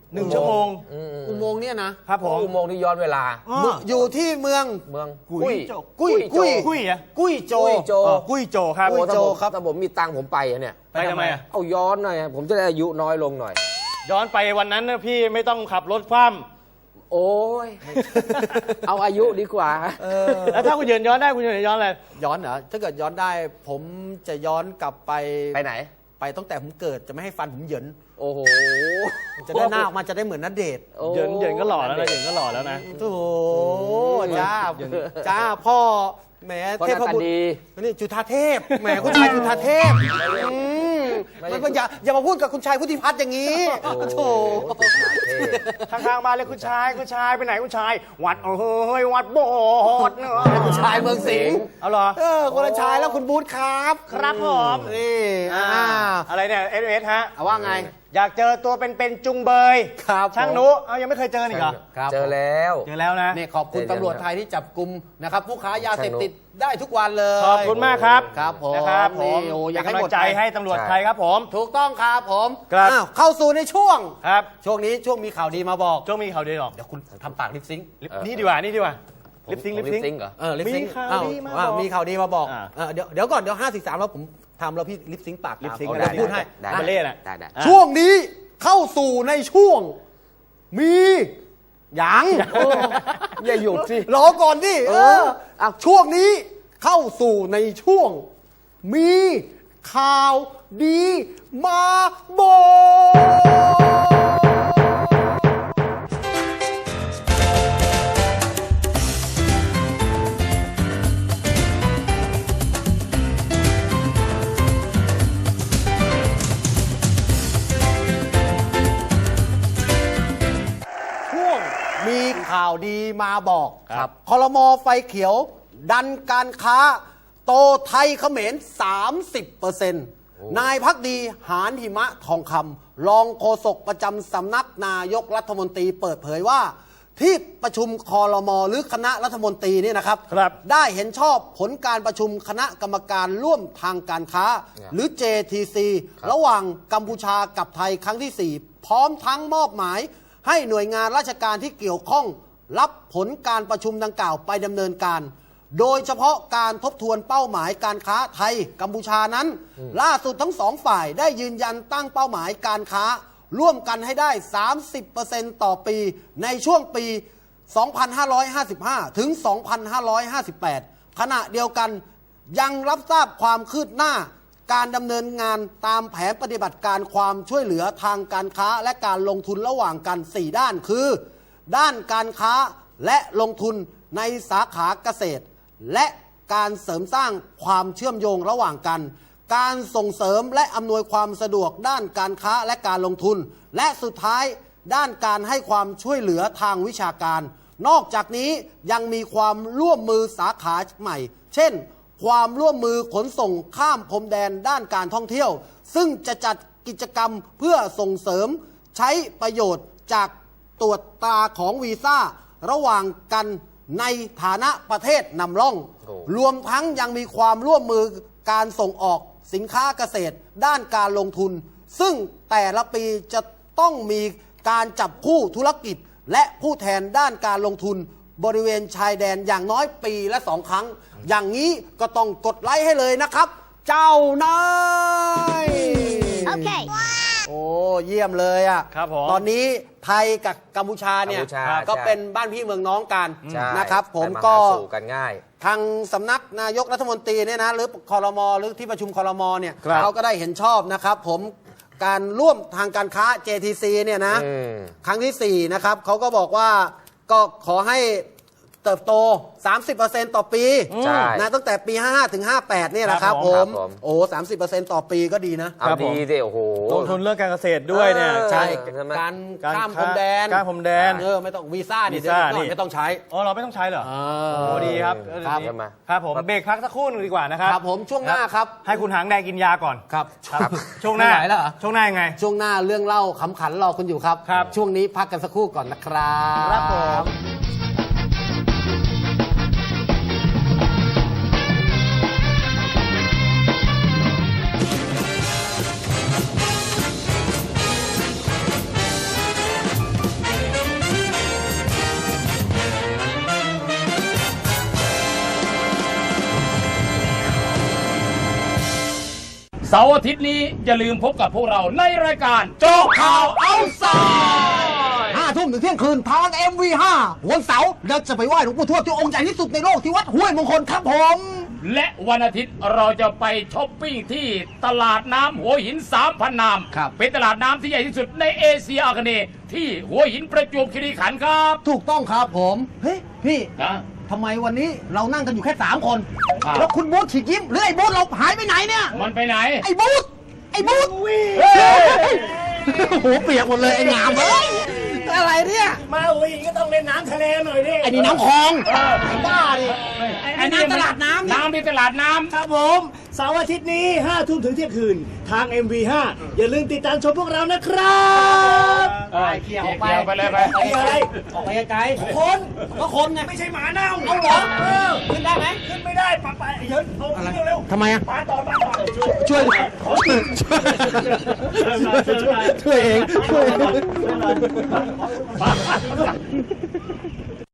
Speaker 2: 1 ชั่วโมง
Speaker 1: อุโมงค์เนี่ยนะครับ
Speaker 2: ผม
Speaker 6: อุโมงค์ที่ย้อนเวลา
Speaker 1: อยู่ที่เมือง
Speaker 6: เมือง
Speaker 2: กุ้ยโจ
Speaker 1: กุ้ย
Speaker 2: กุ้ยอะ
Speaker 1: กุ้ยโจ
Speaker 6: กุ้ยโจ
Speaker 2: กุ้ยโจครับ
Speaker 6: โอ้
Speaker 1: กุ้ยโจ
Speaker 6: ถ้าผมถ้าผมมีตังค์ผมไปอะเนี่ย
Speaker 2: ไปทำไมอะ
Speaker 6: เอาย้อนหน่อยผมจะได้อายุน้อยลงหน่อย
Speaker 2: ย้อนไปวันนั้นนะพี่ไม่ต้องขับรถคว่
Speaker 6: โอ้ย เอาอายุดีกว่า
Speaker 2: ำแล้วถ้าคุณยืนย้อนได้คุณยืนย้อนอะไร
Speaker 1: ย้อนเหรอถ้าเกิดย้อนได้ ผมจะย้อนกลับไป
Speaker 6: ไปไหน
Speaker 1: ไปตั้งแต่ผมเกิดจะไม่ให้ฟันผมเหยิน
Speaker 6: โอ้โห
Speaker 1: จะได้หน้าออกมาจะได้เหมือนณเดชน์
Speaker 6: โอ้
Speaker 2: เหยินก็หล่อแล้วนะเหยินก็หล่อแล้วนะ
Speaker 1: โอ้โหจ้าพ่อแหม
Speaker 6: พ่อห
Speaker 1: เท
Speaker 6: น้า
Speaker 1: พ
Speaker 6: ตา
Speaker 1: บุตร
Speaker 6: ดี
Speaker 1: นี่จุฑาเทพแหมคุณชายจุฑาเทพมันอย่ามาพูดกับคุณชายพุทธิพัฒน์อย่างนี้โถ
Speaker 2: ข้างๆบ้านเลยคุณชายไปไหนคุณชาย วัดวัดโบสถ์เนอะ
Speaker 1: คุณชายเมืองสิงห์
Speaker 2: เอาเหรอ
Speaker 1: คนละชายแล้วคุณบูธครับ
Speaker 2: ครับผม
Speaker 1: นี่
Speaker 2: อะไรเนี่ยเอสฮะ
Speaker 1: เอาว่าไง
Speaker 2: อยากเจอตัวเป็นๆจุงเบย
Speaker 1: ครับ
Speaker 2: ช่างนุเอายังไม่เคยเจออีกเหรอ
Speaker 1: ครับ
Speaker 6: เจอแล้ว
Speaker 2: เจอแล้วนะ
Speaker 1: นี่ขอบคุณตำรวจไทยที่จับกลุ่มนะครับผู้ค้ายาเสพติดได้ทุกวันเลย
Speaker 2: ขอบคุณมากครับ
Speaker 1: ครับผม
Speaker 2: นะครับผม
Speaker 1: นี่โอ้อยาก
Speaker 2: เป็น
Speaker 1: ให้
Speaker 2: กำ
Speaker 1: หม
Speaker 2: ลั
Speaker 1: ด
Speaker 2: งใจ
Speaker 1: ไป
Speaker 2: ให้ตำรวจ
Speaker 6: ใช่
Speaker 2: ไทยครับผม
Speaker 1: ถูกต้องครับผม
Speaker 2: ครับ
Speaker 1: อ้าวเข้าสู่ในช่วง
Speaker 2: ครับ
Speaker 1: ช่วงนี้ช่วงมีข่าวดีมาบอก
Speaker 2: ช่วงมีข่าวดีหรอ
Speaker 1: เดี๋ยวคุณทำปากลิปซิงค์
Speaker 2: นี่ดีกว่าลิปซิง
Speaker 6: ลิปซิงค์เหรอ
Speaker 1: ลิปซิงค์
Speaker 2: มีข่าวดีมาบอก
Speaker 1: มีข่าวดีมาบอก
Speaker 2: อ่า
Speaker 1: เดี๋ยวก่อนเดี๋ยว5 4 3แล้วผมทำแล้วพี่ลิปซิงค์ปาก
Speaker 2: ลิปซิงค์
Speaker 1: เดี๋ยวพูดให้
Speaker 6: ได้
Speaker 2: บัลเล่น่ะ
Speaker 6: ได้ได้
Speaker 1: ช่วงนี้เข้าสู่ในช่วง มียัง
Speaker 6: อย่าหยุดสิ
Speaker 1: รอก่อนดิช่วงนี้เข้าสู่ในช่วง มีข่าวดีมาบอกช่วงมีข่าวดีมาบอก
Speaker 2: ครับ
Speaker 1: ครม.ไฟเขียว ดันการค้า โตไทยเขมร 30%นายพักดีหานหิมะทองคำรองโฆษกประจำสำนักนายกรัฐมนตรีเปิดเผยว่า ที่ประชุมครม.หรือคณะรัฐมนตรีเนี่ยนะครับ
Speaker 2: ครับ
Speaker 1: ได้เห็นชอบผลการประชุมคณะกรรมการร่วมทางการค้า หรือ JTC ระหว่างกัมพูชากับไทยครั้งที่ 4 พร้อมทั้งมอบหมาย ให้หน่วยงานราชการที่เกี่ยวข้อง รับผลการประชุมดังกล่าวไปดำเนินการ โดยเฉพาะการทบทวนเป้าหมายการค้าไทยกัมพูชานั้น ล่าสุดทั้งสองฝ่ายได้ยืนยันตั้งเป้าหมายการค้า ร่วมกันให้ได้ 30% ต่อปีในช่วงปี 2555 ถึง 2558 ขณะเดียวกันยังรับทราบความคืบหน้า การดำเนินงานตามแผนปฏิบัติการความช่วยเหลือทางการค้าและการลงทุนระหว่างกัน 4 ด้านคือ ด้านการค้าและลงทุนในสาขาเกษตร และการเสริมสร้างความเชื่อมโยงระหว่างกัน การส่งเสริมและอำนวยความสะดวกด้านการค้าและการลงทุน และสุดท้ายด้านการให้ความช่วยเหลือทางวิชาการ นอกจากนี้ยังมีความร่วมมือสาขาใหม่ เช่น ความร่วมมือขนส่งข้ามพรมแดนด้านการท่องเที่ยว ซึ่งจะจัดกิจกรรมเพื่อส่งเสริมใช้ประโยชน์จากตรวจตราของวีซ่าระหว่างกันในฐานะประเทศนำร่อง รวมทั้งยังมีความร่วมมือการส่งออกสินค้าเกษตรด้านการลงทุน ซึ่งแต่ละปีจะต้องมีการจับคู่ธุรกิจ และผู้แทนด้านการลงทุนบริเวณชายแดนอย่างน้อยปีละ 2 ครั้ง อย่างนี้ก็ต้องกดไลค์ให้เลยนะครับ เจ้านาย
Speaker 7: Okay.
Speaker 1: โอ้เยี่ยมเลยอ่ะ
Speaker 2: ครับผม
Speaker 1: ตอนนี้ไทยกับกัมพูชาเนี่ย
Speaker 6: กัมพูชา
Speaker 1: ก็
Speaker 6: ใช่
Speaker 1: เป็นบ้านพี่เมืองน้องกัน
Speaker 6: ใช่
Speaker 1: นะครับ ผม
Speaker 6: ไปา
Speaker 1: ก็
Speaker 6: หาสู่กันง่าย
Speaker 1: ทางสำนักนายกรัฐมนตรีเนี่ยนะหรือคอรมอหรือที่ประชุมคอรมอเนี่ย
Speaker 2: ครับ
Speaker 1: เขาก็ได้เห็นชอบนะครับผมการร่วมทางการค้า JTC เนี่ยนะ
Speaker 6: อืม
Speaker 1: ครั้งที่ 4 นะครับเขาก็บอกว่าก็ขอให้เติบโต 30% ต่อปี
Speaker 6: ใช่
Speaker 1: นะตั้งแต่ปี 55 ถึง 58 เนี่ยนะครับ
Speaker 2: ครับ
Speaker 1: ผ
Speaker 2: ผม
Speaker 1: มโอ้ 30% ต่อปีก็ดีนะ
Speaker 6: เอา
Speaker 2: ครับผม
Speaker 6: ดีสิโอ้โห
Speaker 2: ลงทุนเรื่องการเกษตรด้วยเนี่ย
Speaker 1: ใช่
Speaker 6: ใช่ไหม
Speaker 1: การ
Speaker 2: การ
Speaker 1: ข้ามพรมแดน
Speaker 2: ข้ามพรมแดน
Speaker 1: ไม่ต้องวีซ่านี่
Speaker 2: วีซ่า
Speaker 1: เดี๋ยวก่อน
Speaker 2: นี่
Speaker 1: ไม่ต้องใช้
Speaker 2: อ๋อเราไม่ต้องใช้เหรอ
Speaker 1: เอ
Speaker 2: โอ้ดีครับ
Speaker 1: ครับ
Speaker 2: ดีครับผมเบรกพักสักครู่หนึงดีกว่านะครับ
Speaker 1: ครับผมช่วงหน้าครับ
Speaker 2: ให้คุณหางแดงกินยาก่อน
Speaker 1: ครับ
Speaker 2: ครับช่วงหน้า
Speaker 1: ไม่ไหวแล้วเหรอ
Speaker 2: ช่วงหน้ายังไง
Speaker 1: ช่วงหน้าเรื่องเล่าขำขันรอคุณอยู่ครับ
Speaker 2: ครับ
Speaker 1: ช่วงนี้พักกันสักครู่ก่อนนะครับ
Speaker 2: ครับผม
Speaker 7: Wow.
Speaker 3: เสาร์อาทิตย์นี้อย่าลืมพบกับพวกเราในรายการโจ๊กข่าวเอาไซด์
Speaker 1: 5 ทุ่มถึงเที่ยงคืนทาง MV5 วันเสาร์เราจะไปไหว้หลวงปู่ทวดที่องค์ใหญ่ที่สุดในโลกที่วัดห้วยมงคลครับผม
Speaker 3: และวันอาทิตย์เราจะไปช้อปปิ้งที่ตลาดน้ำหัวหิน 3,000 นาม
Speaker 1: ครับ
Speaker 3: เป็นตลาดน้ำที่ใหญ่ที่สุดในเอเชียอาคเนย์ที่หัวหินประจวบคีรีขันธ์ครับ
Speaker 1: ถูกต้องครับผม เฮ้ย พี่
Speaker 3: นะ
Speaker 1: ทำไมวันนี้เรานั่งกันอยู่แค่ 3 คน
Speaker 3: ครับ
Speaker 1: แล้วคุณบูธฉีกยิ้มหรือไอ้บูธเราหายไปไหนเนี่ย
Speaker 3: มันไปไหน
Speaker 1: ไอ้บูธไอ้บูธ
Speaker 3: เฮ้ย
Speaker 1: โอ้โหเปียกหมดเลยไอ้งามเอ้ยอะไรเนี่ย
Speaker 4: มาหัวหินก็ต้องเล่นน้ำทะเลหน่อยดิ
Speaker 1: ไอ้นี่น้ำคลอง
Speaker 3: เออ
Speaker 1: ไอ้บ้าดิ ไอ้น้ำตลาดน้ำเนี่ย
Speaker 3: น้ำที่ตลาดน้ำ
Speaker 4: ครับผมเสาร์อาทิตย์นี้5 ทุ่มถึงเที่ยงคืนทาง MV5 อย่าลืมติดตามชมพวกเรานะครับ
Speaker 3: เกี่ยวไปเลยไป
Speaker 4: เกี่ยวอะไร
Speaker 1: ออกไปไกลๆคนก็คนไง
Speaker 4: ไม่ใช่หมาเน่า
Speaker 1: เอาเหรอขึ้นได้ไหม
Speaker 4: ขึ้นไม่ได้ปะเยินเอาขึ้นเร็ว
Speaker 1: ทำไมอ่ะ
Speaker 4: ๆปาต่อ
Speaker 1: ช่วยช่วยเองช่วยเอง